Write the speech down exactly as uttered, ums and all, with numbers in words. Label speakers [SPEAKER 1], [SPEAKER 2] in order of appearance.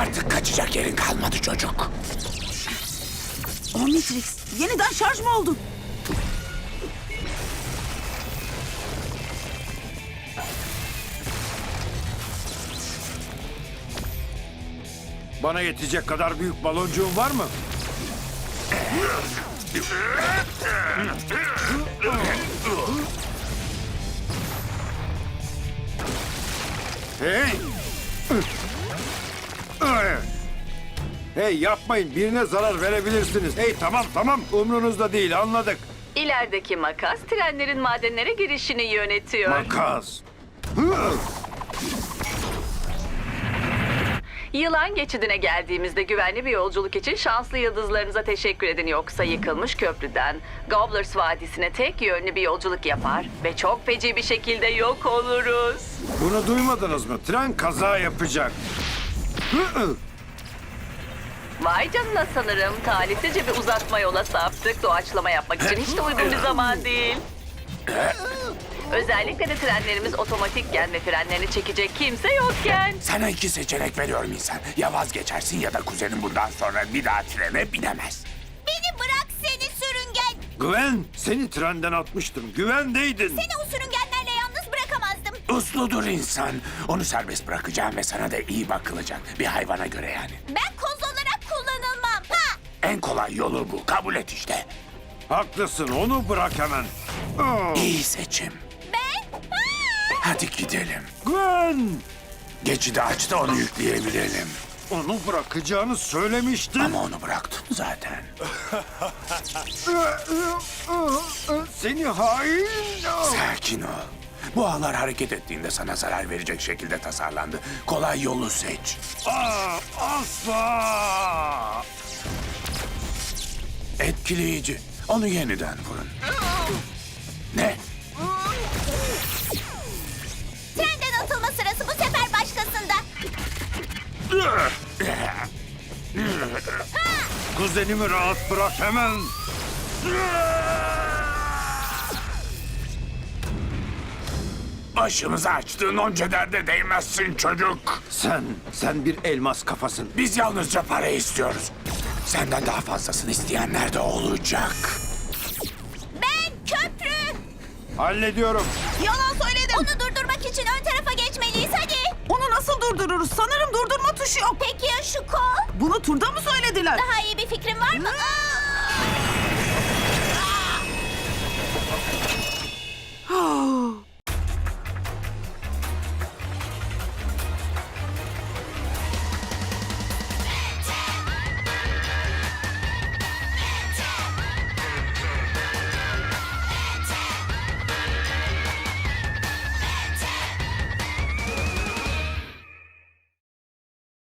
[SPEAKER 1] Artık kaçacak yerin kalmadı çocuk.
[SPEAKER 2] Omnitrix, yeniden şarj mı oldun?
[SPEAKER 3] Bana yetecek kadar büyük baloncuğun var mı? Hey! Hey yapmayın, birine zarar verebilirsiniz. Hey tamam tamam, umrunuzda değil, anladık.
[SPEAKER 4] İlerideki makas trenlerin madenlere girişini yönetiyor.
[SPEAKER 3] Makas.
[SPEAKER 4] Yılan geçidine geldiğimizde güvenli bir yolculuk için şanslı yıldızlarınıza teşekkür edin. Yoksa yıkılmış köprüden Gobblers Vadisi'ne tek yönlü bir yolculuk yapar ve çok feci bir şekilde yok oluruz.
[SPEAKER 3] Bunu duymadınız mı? Tren kaza yapacak.
[SPEAKER 4] Vay canına, sanırım talihsizce bir uzatma yola saptık. Doğaçlama yapmak için hiç de uygun bir zaman değil. Özellikle de trenlerimiz otomatikken ve frenlerini çekecek kimse yokken.
[SPEAKER 1] Sana iki seçenek veriyorum insan. Ya vazgeçersin ya da kuzenin bundan sonra bir daha trene binemez.
[SPEAKER 5] Beni bırak seni sürüngen.
[SPEAKER 3] Güven, seni trenden atmıştım. Güvendeydin.
[SPEAKER 5] Seni o sürüngenlerle yalnız bırakamazdım.
[SPEAKER 1] Usludur insan. Onu serbest bırakacağım ve sana da iyi bakılacak. Bir hayvana göre yani.
[SPEAKER 5] Ben koz olarak kullanılmam. Ha!
[SPEAKER 1] En kolay yolu bu. Kabul et işte.
[SPEAKER 3] Haklısın, onu bırak hemen. Aa,
[SPEAKER 1] İyi seçim.
[SPEAKER 5] Ben? Ha!
[SPEAKER 1] Hadi gidelim.
[SPEAKER 3] Güven!
[SPEAKER 1] Geçidi aç da onu yükleyebilelim.
[SPEAKER 3] Onu bırakacağını söylemiştin.
[SPEAKER 1] Ama onu bıraktın zaten.
[SPEAKER 3] Seni hain!
[SPEAKER 1] Sakin ol. Bu ağlar hareket ettiğinde sana zarar verecek şekilde tasarlandı. Kolay yolu seç.
[SPEAKER 3] Aa, asla!
[SPEAKER 1] Etkileyici. Onu yeniden vurun. Ne?
[SPEAKER 5] Trenden atılma sırası bu sefer başkasında.
[SPEAKER 3] Kuzenimi rahat bırak hemen.
[SPEAKER 1] Başımıza açtığın onca derde değmezsin çocuk.
[SPEAKER 3] Sen, sen bir elmas kafasın.
[SPEAKER 1] Biz yalnızca para istiyoruz. Senden daha fazlasını isteyenler de olacak.
[SPEAKER 5] Ben köprü.
[SPEAKER 3] Hallediyorum.
[SPEAKER 2] Yalan söyledim.
[SPEAKER 5] Onu durdurmak için ön tarafa geçmeliyiz hadi.
[SPEAKER 2] Onu nasıl durdururuz? Sanırım durdurma tuşu yok.
[SPEAKER 5] Peki ya şu kol?
[SPEAKER 2] Bunu turda mı söylediler?
[SPEAKER 5] Daha iyi bir fikrin var mı? Aa!